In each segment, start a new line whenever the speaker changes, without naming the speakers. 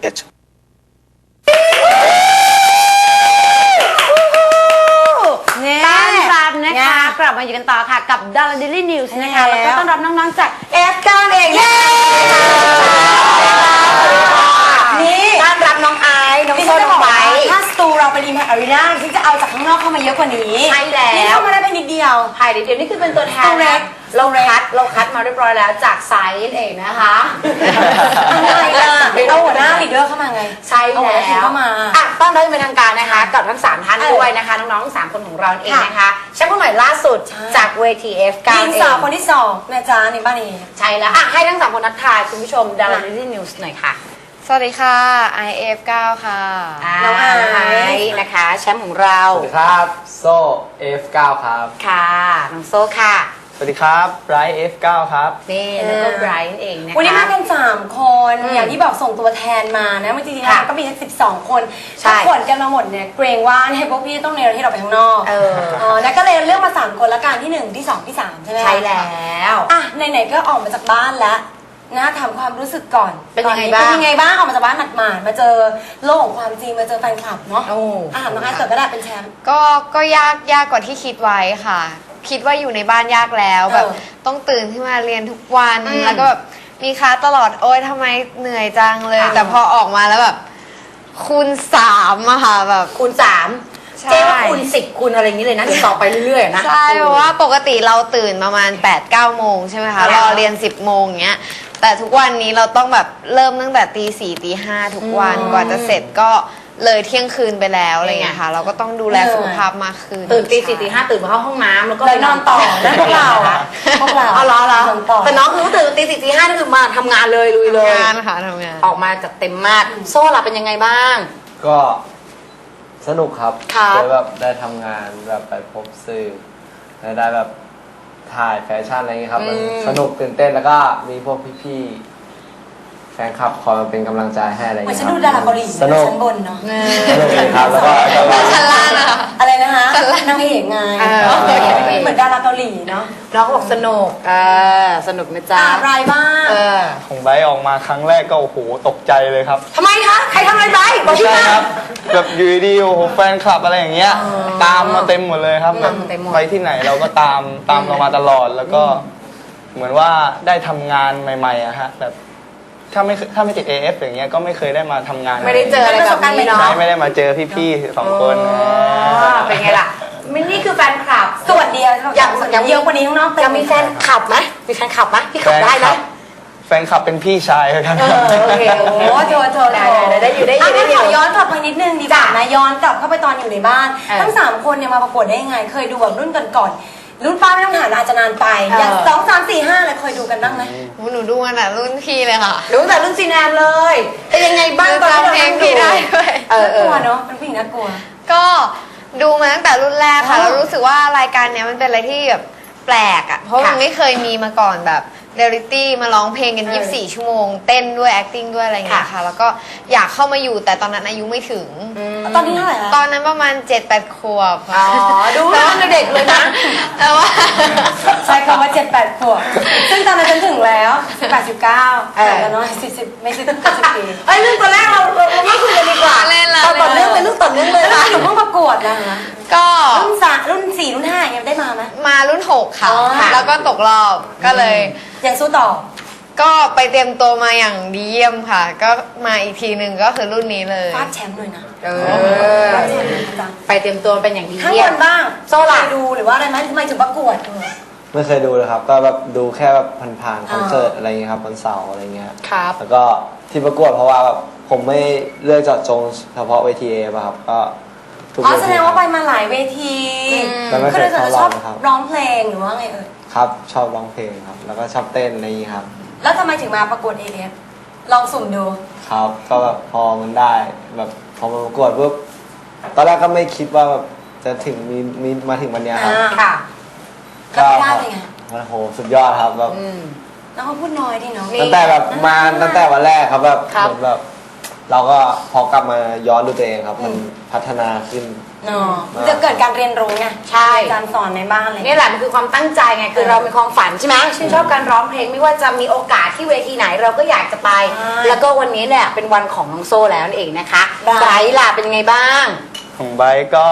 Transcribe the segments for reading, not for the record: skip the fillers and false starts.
Sketch
ต้อนรับนะคะกลับมาอยู่กันต่อค่ะกับ Dara Daily News นะคะแล้วก็ต้อนรับน้องๆจาก
F9 เองนี่ต้อนรับน้องไอซ์น้องโซนน้องไบถ้าสตูเราเป็นอิมแพคอารีนาที่จะเอาจากข้างนอกเข้ามาเยอะกว่านี้ใช่แล้วนี่เข้ามาได้เพียงนิดเดียว
ภายในเดียวนี่คือเป็นตัวแทนเราคัดมาเรียบร้อยแล้วจากไซส์เองนะคะ
อะไรล่ะเอาหัวหน้าลีดเดอร์เข้ามาไง
ใช่แล้ว
เข้ามา
ต้อนรับเป็นทางการนะคะกับทั้ง3ท่านด้วยนะคะน้องๆทั้ง3คนของเราเองนะคะแชมป์คนใหม่ล่าสุดจากเวที F9
ทีมสาวคนที่2นะจ๊ะในบ้านนี้
ใช่แล้วให้ทั้ง3คนทักทายคุณผู้ชม Dara Daily News หน่อยค่ะ
สวัสดีค่ะ IF9 ค่ะ
น้องไอซ์นะคะแชมป์ของเรา
สวัสดีครับโซ่ F9 ครับ
ค่ะน้องโซ่ค่ะ
สวัสดีครับไบรท์ F9 ครับ
นี่แล้วก็ไบรท์เองนะคะ
วันนี้มากัน3คนอย่างที่บอกส่งตัวแทนมานะจริงๆแล้วก็มี12คนถ้าขนกันมาหมดเนี่ยเกรงว่าพวกพี่ต้องเนรที่เราไปข้างนอกแล้วก็เลยเลือกมา3คนละกันที่1ที่2ที่3ใช่ไหม
ใช่แล้ว
ไหนๆก็ออกมาจากบ้านแล้วนะถามความรู้สึกก่อน
เป็นยังไงบ้าง
ออกมาจากบ้านหมาดๆมาเจอโลกของความจริงมาเจอแฟนคลับเนาะน้องไอซ์เกิดก็ได้เป็นแชมป์
ก็ยากกว่าที่คิดไว้ค่ะคิดว่าอยู่ในบ้านยากแล้วแบบต้องตื่นขึ้นมาเรียนทุกวันแล้วก็แบบมีคลาสตลอดโอ๊ยทำไมเหนื่อยจังเลยแต่พอออกมาแล้วแบบคูณ3อะค่ะแบบ
คูณ3เจ๊ว่าคูณ10คูณอะไรอย่างนี้เลยนะต่อไปเรื่อยๆนะ
ใช่เพราะว่าปกติเราตื่นประมาณ 8-9 โมงใช่ไหมคะรอเรียน10 โมงอย่างเงี้ยแต่ทุกวันนี้เราต้องแบบเริ่มตั้งแต่ตี 4 ตี 5ทุกวันกว่าจะเสร็จก็เลยเที่ยงคืนไปแล้วอะไรเงี้ยค่ะเราก็ต้องดูแลสุขภาพมากขึ้น
ตื่นตี 4 ตี 5ตื่นมาเข้าห้องน้ำแล้วก็
ไปนอนต่อนั่นพวกเรา
เอาล้อแต่น้องคือตื่นตี 4 ตี 5นี่คือมาทำงานเลยลุยเลย
งานค่ะทำงาน
ออกมาจัดเต็มมากโซ่ล่ะเป็นยังไงบ้าง
ก็สนุกครับได้แบบได้ทำงานแบบไปพบสื่อได้แบบถ่ายแฟชั่นอะไรเงี้ยครับมันสนุกตื่นเต้นแล้วก็มีพวกพี่ๆแฟนคลับคอยมาเป็นกำลังใจให้อะไรเงี้ย
ฉันดูดาราเกาหลี
สนุก
ชั้นบนเนาะ
สนุกเลยครับแล้วก็
ชั้นล่างอะ
อะไรนะคะนางเอกไงเหมือนดาราเกาหลีเนาะ
น้องบอกสนุกสนุกนะจ๊ะ
อะไรบ้าง
ของไบร์ทออกมาครั้งแรกก็โอ้โหตกใจเลยครับ
ทำไมคะใครทำอะไรไบร์ทบอกพี่มา
แบบอยู่ดีโอ้โหแฟนคลับอะไรอย่างเงี้ยตามมาเต็มหมดเลยครับแบบไปที่ไหนเราก็ตามเรามาตลอดแล้วก็เหมือนว่าได้ทำงานใหม่ๆอะฮะแบบถ้าไม่ติด AF อย่างเงี้ยก็ไม่เคยได้มาทำงาน
ไม่ได้เจออะไรแบบนี้เนาะ
ไม่ได้มาเจอพี่ๆ2คน
เป็นไงล่ะนี่คือแฟนคลับ
สวัสดีอย่างเยอะกว่านี้น้อง
ยังมีแฟนคลับไหมมีแฟนคลับไหมพี่ขับได้ไหม
แฟนคลับเป็นพี่ชายกัน
โอเคโอ้โถ
ได้อยู่
ขอย้อนกลับไปนิดนึงดีกว่านะย้อนกลับเข้าไปตอนอยู่ในบ้านทั้ง3คนเนี่ยมาประกวดได้ยังไงเคยดูแบบรุ่นก่อนรุ่นป้าไม่ต้องถามอาจจะนานไปอย่าง2 3 4 5อะไรเคยดูกันบ้างไหม
หนูดูกันอ่ะรุ่นพี่เลยค่ะ
ดูแต่รุ่นซีแนมเลยเป็นยังไงบ้างตอน
เพลงพี่ได้ด้วย
น่ากลัวเนาะเป็นผู้หญิงน่ากลัว
ก็ดูมาตั้งแต่รุ่นแรกค่ะแล้วรู้สึกว่ารายการเนี้ยมันเป็นอะไรที่แบบแปลกอ่ะเพราะมันไม่เคยมีมาก่อนแบบเรียลลิตี้มาร้องเพลงกัน24 ชั่วโมงเต้นด้วย acting ด้วยอะไรเงี้ยค่ะแล้วก็อยากเข้ามาอยู่แต่ตอนนั้นอายุไม่ถึง
ตอนนี้เท่าไหร่
ตอนนั้นประมาณ 7-8 ขวบ
ดูว่าเด็กเลยนะ
แต่ว่า
ใช้คำว่า 7-8 ขวบซึ่งตอนนั้นฉันถึงแล้ว18-19แต่น้อย40ไม่10 ปี
เรื่องตัวแรกเราไม่คุยกันดีกว่าต่อเนื่องเป็นเรื่องต่อเนื่องเลย
แล้วอยู่ห้องประกวดนะคะ
ก็
รุ่น4รุ่น5ยังได้มาไหม
มารุ่น6ค่ะแล้วก็ตกรอบก็เลย
ยังสู้ต่อ
ก็ไปเตรียมตัวมาอย่างดีเยี่ยมค่ะก็มาอีกทีหนึ่งก็คือรุ่นนี้เลย
ฟาดแชมป์เลยนะ
ไปเตรียมตัวเป็นอย่างดี
เยี่ยมข้างบนบ้าง
โซ่ล่ะ
ดูหรือว่าอะไรไหมทำไมถึงประกวด
ไม่เคยดูเลยครับก็แบบดูแค่แบบผ่านๆคอนเสิร์ตอะไรเงี้ยครับวันเสาร์อะไรเงี้ย
ครับ
แล้วก็ที่ประกวดเพราะว่าแบบผมไม่เลือกเจาะจงเฉพาะเวทีป่ะครับก็
แสดงว่าไปมาหลายเวที
ก็เลย
ชอบร้องเพลงหรือว่าไง
ครับชอบร้องเพลงครับแล้วก็ชอบเต้นอะไรอย่างนี้ครับ
แล้วทำไมถึงมาประกวด AF ลองสุ่มดู
ครับก็แบบพอมันได้แบบพอมาประกวดปุ๊บตอนแรกก็ไม่คิดว่าแบบจะถึงมีมาถึงวันนี้ครับ
ค่ะก็ได้เป็นไง
โอ้โหสุดยอดครับแบบ
แล้วเขาพูดน้อยดิเนาะ
ตั้งแต่แบบมาตั้งแต่วันแรกครับแบบเหมือนแบบ
เราก็พอกลับมาย้อนดูตัวเองครับ มันพัฒนาขึ้น
เนาะจะเกิดการเรียนรู้ไง
ใช่
การสอนในบ้านอะไร
นี่แหละมันคือความตั้งใจไงคือเรามีความฝันใช่ไหมชื่นชอบการร้องเพลงไม่ว่าจะมีโอกาสที่เวทีไหนเราก็อยากจะไป แล้วก็วันนี้เนี่ยเป็นวันของน้องโซ่แล้วนั่นเองนะคะไบรท์ล่ะเป็นยังไงบ้าง
ของไบร์ทก็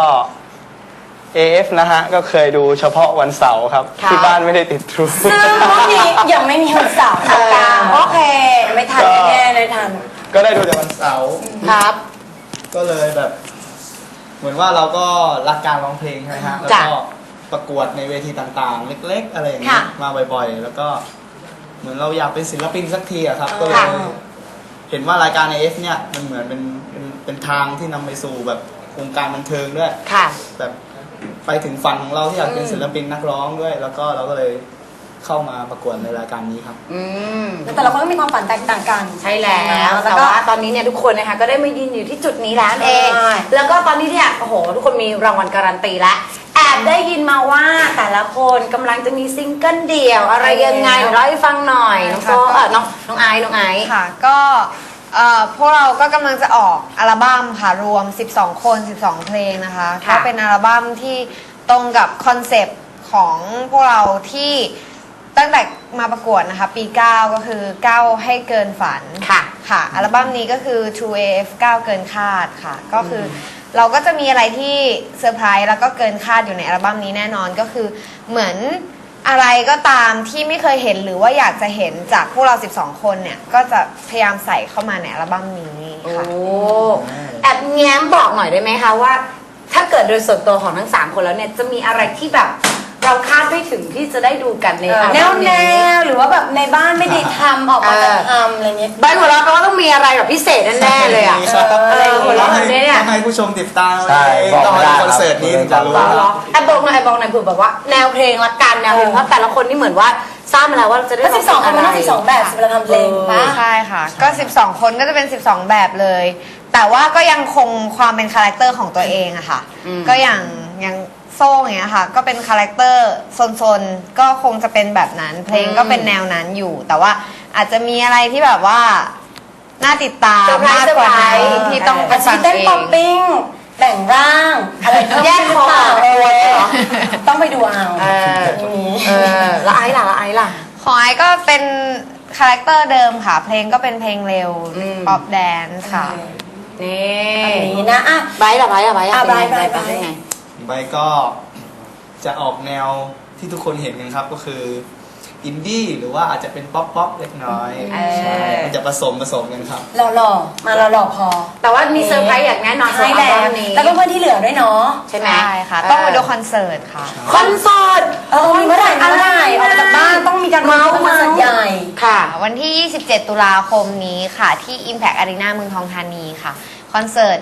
AF นะฮะ ก็เคยดูเฉพาะวันเสาร์ครับ
ค่ะ
ที่บ้านไม่ได้ติดทรู
ซึ่งพวกนี้ยังไม่มีวันเสาร์โอเค ไม่ทันแน่เลยทัน
ก็ได้ดูแต่วันเสาร์
ครับ
ก็เลยแบบ เหมือนว่าเราก็รักการร้องเพลงใช่ไหมฮะ แล้ว
จ้ะ
ก็ประกวดในเวทีต่างๆ เล็ก ๆ อะไรอย่างเงี้ย
ค่ะ
มาบ่อยๆ แล้วก็เหมือนเราอยากเป็นศิลปินสักทีอะครับ ก็เลย
ค่ะ
เห็นว่ารายการ AF เนี่ยมันเหมือนเป็นทางที่นำไปสู่แบบวงการบันเทิงด้วย
ค่ะ
แบบไปถึงฝันของเราที่อยากเป็นศิลปินนักร้องด้วย แล้วก็เราก็เลยเข้ามาประกวดในรายการนี้ครับ
อืม
แต่ละคนก็มีความฝันแตกต่างกัน
ใช่แล้ว
แล้
แต่
วก็
ว่าตอนนี้เนี่ยทุกคนนะคะก็ได้มายืนอยู่ที่จุดนี้แล้วนั่นเอง
ใช่
แล้วก็ตอนนี้เนี่ยโอ้โหทุกคนมีรางวัลการันตีแล้วแอบได้ยินมาว่าแต่ละคนกำลังจะมีซิงเกิลเดี่ยวอะไรยังไงเล่าให้ฟังหน่อยน้องโซน้องไอซ์
ค่ะก็พวกเราก็กำลังจะออกอัลบั้มค่ะรวม 12 คน 12 เพลงนะคะ
ค่ะ
ก็เป็นอัลบั้มที่ตรงกับคอนเซปต์ของพวกเราที่ตั้งแต่มาประกวดนะคะปี 9 ก็คือ 9 ให้เกินฝัน
ค่ะ
ค่ะอัลบั้มนี้ก็คือ True AF 9 เกินคาดค่ะก็คือเราก็จะมีอะไรที่เซอร์ไพรส์แล้วก็เกินคาดอยู่ในอัลบั้มนี้แน่นอนก็คือเหมือนอะไรก็ตามที่ไม่เคยเห็นหรือว่าอยากจะเห็นจากพวกเรา 12 คนเนี่ยก็จะพยายามใส่เข้ามาในอัลบั้มนี้
โอ้
ค่ะ
แอบแง้มบอกหน่อยได้ไหมคะว่า ถ้าเกิดโดยส่วนตัวของทั้ง 3 คนแล้วเนี่ยจะมีอะไรที่แบบเราคาดไม่ถึงที่จะได้ดูกันในอัล
แน
บั้
ว
ม
แน
นี้
วหรือว่าแบบในบ้านไม่ได้ทำออกมาจะทำอะไรเงี้ย
ใบหัวเราะแปลว่าต้องมีอะไรแบบพิเศษแน่ๆเลยอ่ะ หัวเราะแบบนี้เนี่ย
ต้องให้ผู้ชมติดตาม
ใช่บอก
ต้อง
ไม่
ให้
ได้
คอนเสิร์ตนี้ถึงจะรู้
ไอ้บอกหน่อยเผื่อแบบว่าแนวเพลงละกันแนวเพลงเพราะแต่ละคนนี่เหมือนว่าทราบมาแล้วว่าจะได้
ก็12 คนมันต้อง12 แบบสิเวลาทำเพลงปะ
ใช่ค่ะก็ 12 คนก็จะเป็น 12 แบบเลย แต่ว่าก็ยังคงความเป็นคาแรคเตอร์ของตัวเองอะค่ะก็อย่างโซ่อย่างเงี้ยค่ะก็เป็นคาแรคเตอร์ซนๆก็คงจะเป็นแบบนั้น เพลงก็เป็นแนวนั้นอยู่ แต่ว่าอาจจะมีอะไรที่แบบว่าน่าติดตามมากกว่านั้นที่ต้องไป
อาจจะ
ฟั
มี
ง
เต้น
เอ
ป๊อป
ง
ปิ้งแต่งร่างอะไรเพิ่ม
แยกคอ
ขึ้นหรือเปล่าต้องไปดูเอา
แล้วไอ้ล่ะ
ของไอซ์ก็เป็นคาแรคเตอร์เดิมค่ะ เพลงก็เป็นเพลงเร็ว
อืม
ป๊อปแดนซ์ค่ะ
นี่
อันนี้นะอ่ะ
ไบร์ทเป็นไง
เป็นไง
ใบก็จะออกแนวที่ทุกคนเห็นกันครับก็คืออินดี้หรือว่าอาจจะเป็นป๊อปเล็กน้อยใช่มันจะผสมกันครับ
หล่อๆมาหล่อๆพอ
แต่ว่ามีเซอร์ไพรส์อย่างแน่นอน
ใช่
สำหรับ
แล้ว
อัลบั้มนี้
แล้วก็เพื่อนที่เหลือด้วยเนาะ
ใช่ไหม
ใช่ค่ะ ต้องไปดูคอนเสิร์ตค่ะ
คอนเสิร์ต
มีเมื่อไหร่ออกมาจากบ้านต้องมีการ
เมาส์
คอนเสิร์ตใหญ่
ค่ะ
วันที่ 27 ตุลาคมนี้ค่ะ ที่ Impact Arena เมืองทองธานีค่ะ คอนเสิร์ต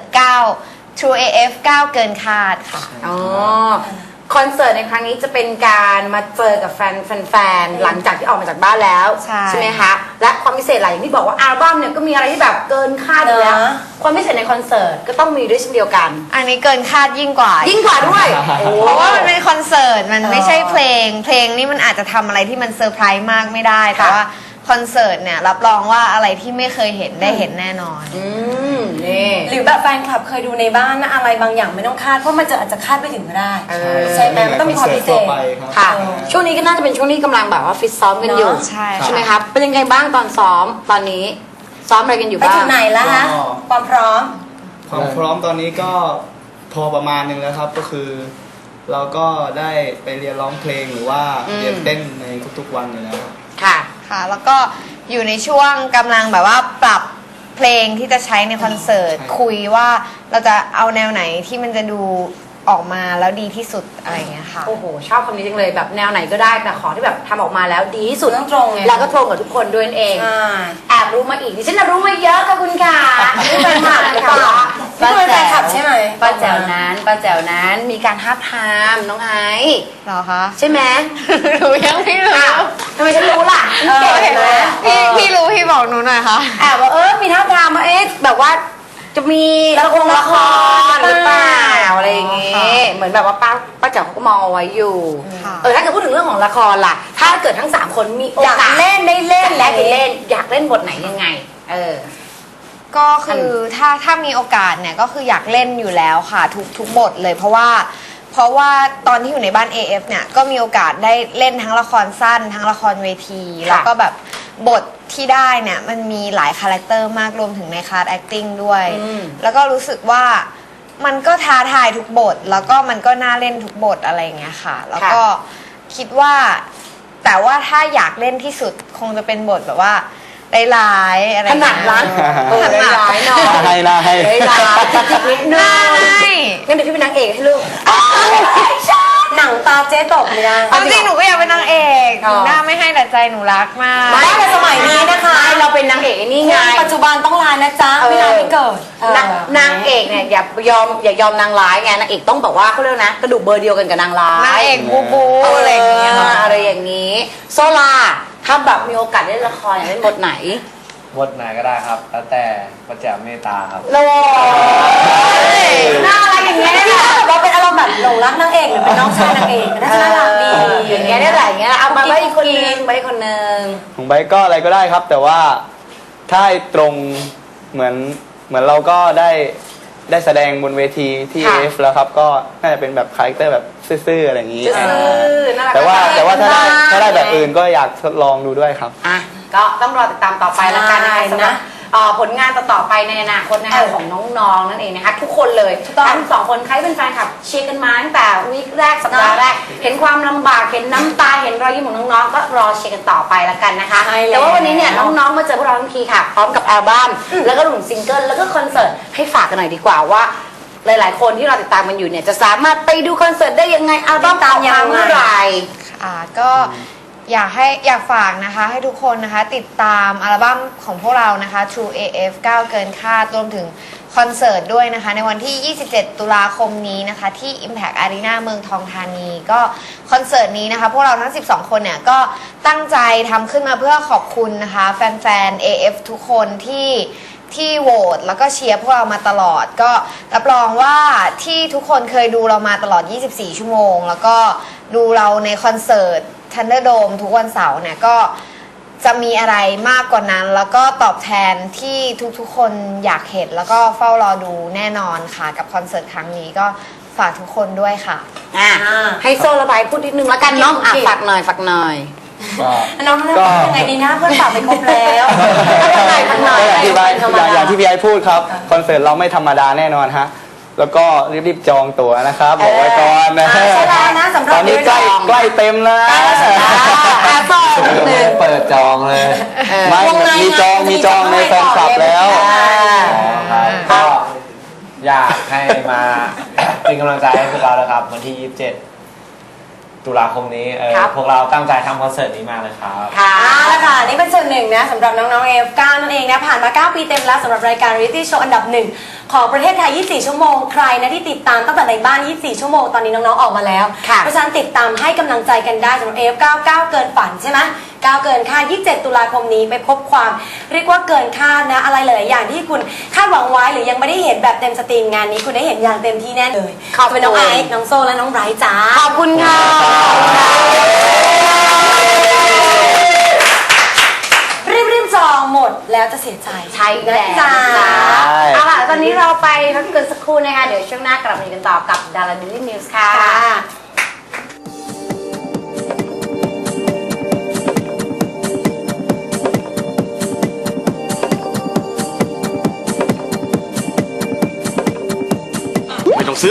9 True AF 9 เกินคาดค่ะ
อ๋อ คอนเสิร์ตในครั้งนี้จะเป็นการมาเจอกับแฟนๆหลังจากที่ออกมาจากบ้านแล้ว
ใช่
ไหมคะ และความพิเศษหลายอย่างที่บอกว่าอัลบั้มเนี่ยก็มีอะไรที่แบบเกินคาดอยู่แล้ว
เนอะ
ความพิเศษในคอนเสิร์ตก็ต้องมีด้วยเช่นเดียวกัน
อันนี้เกินคาดยิ่งกว่า
ยิ่งกว่าด้วยโอ้
เพราะว่ามันเป็นคอนเสิร์ต มันไม่ใช่เพลง เพลงนี่มันอาจจะทำอะไรที่มันเซอร์ไพรส์มากไม่ได้ แต่ว่าคอนเสิร์ตเนี่ยรับรองว่าอะไรที่ไม่เคยเห็นได้เห็นแน่นอน
นี่
หรือแบบแฟนคลับเคยดูในบ้านนะอะไรบางอย่างไม่ต้องคาดเพราะมันจะอาจจะคาดไม่ถึงก็ได้ ใช่ไหมมันต้องมีความพิเศษ
ค่ะ ช่วงนี้ก็น่าจะเป็นช่วงที่กำลังแบบว่าฟิตซ้อมกันอยู่
เนอะ
ใช่
ใช่ไหมครับ เป็นยังไงบ้างตอนซ้อมตอนนี้ซ้อมอะไรกันอยู่
ไป
บ้าง
ถึงไหนแล้วฮะ
ก็
ความพร้อม
ความพร้อมตอนนี้ก็พอประมาณนึงแล้วครับก็คือ เราก็ได้ไปเรียนร้องเพลงหรือว่าเรียนเต้นในทุกๆวันอยู่แล้ว
ค่ะ
ค่ะ แล้วก็อยู่ในช่วงกำลังแบบว่าปรับเพลงที่จะใช้ในคอนเสิร์ต
ใช่
คุยว่าเราจะเอาแนวไหนที่มันจะดูออกมาแล้วดีที่สุดอะไรอย่างเงี้ยค่ะ
โอ้โห ชอบคำนี้จังเลยแบบแนวไหนก็ได้แต่ขอที่แบบทำออกมาแล้วดีที่สุด
ต้องตรงไง
แล้วก็ตรงกับทุกคนด้วยนั่นเอง
ใช่
แอบรู้มาอีกดิฉันน่ะรู้มาเยอะค่ะคุณค่ะนี่เป็นหมากหรือเปล่า
นี่เป็นแฟนคลับใช่ไหม
ป้าแจ๋วนั้นมีการท้าบทามน้องไอซ์
เหรอคะ
ใช่ไหม
หนูยังไม่รู้
อ้าวทำไมฉันรู้ล่ะเก่ง
เห็นไหม
นะ
พี่รู้พี่บอกหนูหน่อยค่ะ
แอบว่ามีท้าบทามมาแบบว่าจะมีละครหรือเปล่าอะไรอย่างงี้
ค่ะ
เหมือนแบบว่าป้าแจ๋วเขาก็มองเอาไว้อยู่
ค่ะ
ถ้าเกิดพูดถึงเรื่องของละครล่ะ ถ้าเกิดทั้ง3คนมีโอ
อยาก
กาส
เล่นได้เล่น
และได้เล่นอยากเล่นบทไหนยังไง
ก็คือถ้ามีโอกาสเนี่ยก็คืออยากเล่นอยู่แล้วค่ะทุกบทเลยเพราะว่าตอนที่อยู่ในบ้าน AF เนี่ยก็มีโอกาสได้เล่นทั้งละครสั้นทั้งละครเวทีแล้วก็แบบบทที่ได้เนี่ยมันมีหลายคาแรคเตอร์มากรวมถึงในคลาส acting ด้วยแล้วก็รู้สึกว่ามันก็ท้าทายทุกบทแล้วก็มันก็น่าเล่นทุกบทอะไรอย่างเงี้ยค่ะแล้วก็คิดว่าแต่ว่าถ้าอยากเล่นที่สุดคงจะเป็นบทแบบว่าร้ายๆอะไร
ถนัดร้านร้ายๆหน่อย
น่าให้
ร้ายๆจิกๆนิดนึง
ใช่
งั้นเดี๋ยวพี่เป็นนางเอกให้ลูก
หนังตาเจ๊ตกเลยนะ
เอาจริงหนูก็อยากเป็นนางเอกหนูหน้าไม่ให้แต่ใจหนูรักมาก
ไม่แต่สมัยนี้นะคะ
เราเป็นนางเอกนี่ไง
ปัจจุบันต้องลายนะจ๊ะไม่ลายไม่เกิด
นางเอกเนี่ยอย่ายอมนางร้ายไงนางเอกต้องบอกว่าเขาเรียกนะกระดูกเบอร์เดียวกันกับนางร้าย
นางเอกบูบูอะไรอย่างเงี้ยค่ะ
อะไรอย่างนี้ โซลาถ้าแบบมีโอกาสได้เล่นละครอยากเล่นบทไหน
บทไหนก็ได้ครับ แล้วแต่พระเจ้าเมตตาครับ
โลน่ารักอย่างเงี้ยเนี่ย
เราเป็นอารมณ์แบบหลงรักนางเอกหรือเป็นน้องชายนางเอกน่าจะน่ารักดี
อย่างเงี้ยเนี่ยแหละอย่างเงี้ยเอามาไว้อีกคนนึงไว้อีกคนนึง
ของไบร์ทก็อะไรก็ได้ครับ แต่ว่าถ้าให้ตรงเหมือนเราก็ได้แสดงบนเวทีที่
ค่ะ
AF แล้วครับ ก็น่าจะเป็นแบบคาแรคเตอร์แบบซื่อๆอะไรอย่างนี้
ซื่อๆน่ารัก
แต่ว่าถ้าได้แบบ
เลย
อื่นก็อยากทดลองดูด้วยครับ
อ่ะก็ต้องรอติดตามต่อไปแล้วกันนะคะ
ใช่
สำหรับผลงานต่อๆไปในอนาคตนะคะของน้องๆนั่นเองนะคะทุกคนเลยทั้งสองคนใครเป็นแฟนคลับเชียร์กันมาตั้งแต่วีคแรกสัปดาห์แรกเห็นความลำบากเห็นน้ำตาเห็นรอยยิ้มของน้องๆก็รอเชียร์กันต่อไปแล้วกันนะคะ
ใช่แล้ว
แต่ว่าวันนี้เนี่ยน้องๆมาเจอพวกเราทั้งทีค่ะพร้อมกับอัลบั้มแล้วก็หนุ่มซิงเกิลแล้วก็คอนเสิร์ตให้ฝากกันหน่อยดีกว่าว่าหลายๆ คนที่เราติดตามมันอยู่เนี่ยจะสามารถไปดูคอนเสิร์ตได้ยังไงอัลบั้มออกมาเมื่อไหร่
ก็อยากฝากนะคะให้ทุกคนนะคะติดตามอัลบั้มของพวกเรานะคะ True AF 9 เกินคาดรวมถึงคอนเสิร์ตด้วยนะคะในวันที่ 27 ตุลาคมนี้นะคะที่ Impact Arena เมืองทองธานีก็คอนเสิร์ตนี้นะคะพวกเราทั้ง 12 คนเนี่ยก็ตั้งใจทำขึ้นมาเพื่อขอบคุณนะคะแฟนๆ AF ทุกคนที่โหวตแล้วก็เชียร์พวกเรามาตลอดก็รับรองว่าที่ทุกคนเคยดูเรามาตลอด 24 ชั่วโมง แล้วก็ดูเราในคอนเสิร์ต Thunderdome ทุกวันเสาร์เนี่ยก็จะมีอะไรมากกว่านั้น แล้วก็ตอบแทนที่ทุกๆคนอยากเห็นแล้วก็เฝ้ารอดูแน่นอนค่ะกับคอนเสิร์ตครั้งนี้ก็ฝากทุกคนด้วยค่ะ
ให้โซระบายพูดนิดนึงแล้วกันเนาะฝากหน่อยฝากหน่อย
น้องๆยังไงดีนะเพื่อนฝากไปครบแล้ว
ก็อย่างที่พี่ไอ้พูดครับคอนเสิร์ตเราไม่ธรรมดาแน่นอนฮะแล้วก็รีบๆจองตั๋วนะครับบอกไว้ก่อนนะ
ใช่แล้วนะสำหรับ
ตอนนี้ใกล้เต็มแล้วนะ
เปิดจองเลย
ไม่มีจองในแฟนคลับแล้ว
ครับก็อยากให้มาเป็นกำลังใจให้พวกเรานะครับ วันที่ 27 ตุลาคมนี้พวกเราตั้งใจทำคอนเสิร์ตนี้มากเลยครับ
ค่ะ
แล้วค่ะนี่เป็นส่วนหนึ่งนะสำหรับน้องๆ F9 นั่นเองนะผ่านมา 9 ปีเต็มแล้วสำหรับรายการ Reality Show อันดับหนึ่งของประเทศไทย 24 ชั่วโมงใครนะที่ติดตามตั้งแต่ในบ้าน 24 ชั่วโมงตอนนี้น้องๆ ออกมาแล้ว เพราะฉะนั้นติดตามให้กำลังใจกันได้สำหรับ F9 9 เกินฝันใช่ไหม9 เกินคาด 27 ตุลาคมนี้ไปพบความเรียกว่าเกินคาดนะอะไรหลายๆอย่างที่คุณคาดหวังไว้หรือยังไม่ได้เห็นแบบเต็มสตรีมงานนี้คุณได้เห็นอย่างเต็มที่แน่เลย
ขอบคุณ
เป็นน้องไอซ์น้องโซและน้องไบรท์จ้า
ขอบคุณค่ะ
รีบจองหมดแล้วจะเสียใจ
ใช่แล้ว
จ้า
เอาล่ะตอนนี้เราไปพักกันสักครู่นะคะเดี๋ยวช่วงหน้ากลับมาอยู่กันต่อกับดาราดิลี่นิวส์ค่ะ